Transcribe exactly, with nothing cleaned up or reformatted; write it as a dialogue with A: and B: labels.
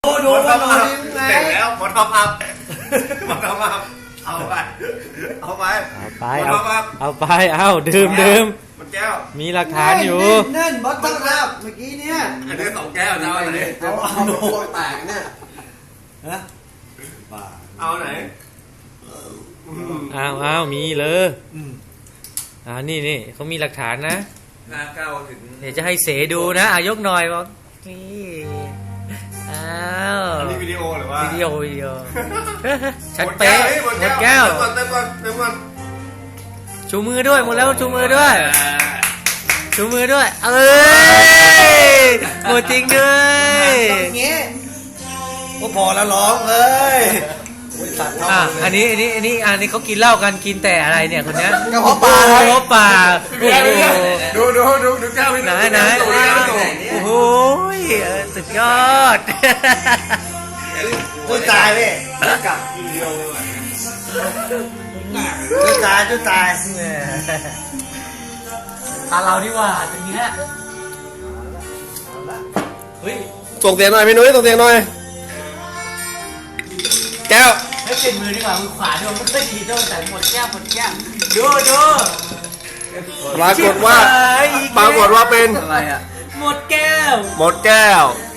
A: ดูว่าโดนยังไง
B: เสร็จแล้วหมดท็อปอัพหมดท็อปอัพเอาไปเอาไป
C: เอาไป
B: หมด
C: เอา
B: ท็อปอัพ
C: เอาไปเอาดื่มดื่ม
B: มันแก้ว
C: มีหลักฐานอยู่
A: เน่นบอสต้องรับเมื่อกี้เนี่ย
B: อันนี้สองแก้วจะเอาอันไหน
A: เอาเอาโดนแตกเนี่ยฮะบ้า
B: เอาไหน
C: อ้าวอ้าวมีเลยอ่านี่นี่เขามีหลักฐานนะ
B: ห้าเก้าถึง
C: เดี๋ยวจะให้เสดูนะอ่ะยกหน่อยบอกนี่อ้าว
B: อันนี้วิดีโอหรือว่า
C: วิดีโอวิดีโอชัดเป๊ะหมดแก้ว
B: เติมก่อนเติมก่อนเติมก่อน
C: ชูมือด้วยหมดแล้วชูมือด้วยชูมือด้วยเอ้ยหมดจริงด้วย
A: อย่างเงี้ยก็พอแล้วร้องเลยสัตว์
C: อ่ะอันนี้อันนี้อันนี้อันนี้เขากินเหล้ากันกินแต่อะไรเนี่ยคนเนี้ย
A: กระเพาะปลา
C: กระเพาะปลาโอ้โห
B: ดูดูดูดูแก้วพี่
C: ไหนไหน
B: ดูแก้วพี่ตู่
C: โอ้โหเออสุดยอด
A: จุดตายพี่กลับ
B: วิดีโอเลย
A: จุดตายจุดตาย
C: ตาเราดีกว่าตรงนี้แหละเฮ้ย
B: ส่งเสียงหน่อยพี่นุ้ยส่งเสียงหน่อยแก้ว
C: ให้เปลี่ยนมือดีกว่ามือขวาด้วยไม่ค่อยดีด้วยแต่หมดแก้วหมดแก้วดูดู
B: ปรากฏว่า
C: ชิบหายอีกแล้ว
B: ปรากฏว่าเป็น
A: อะไรอ่ะ
C: หมดแก้ว
B: หมดแก้ว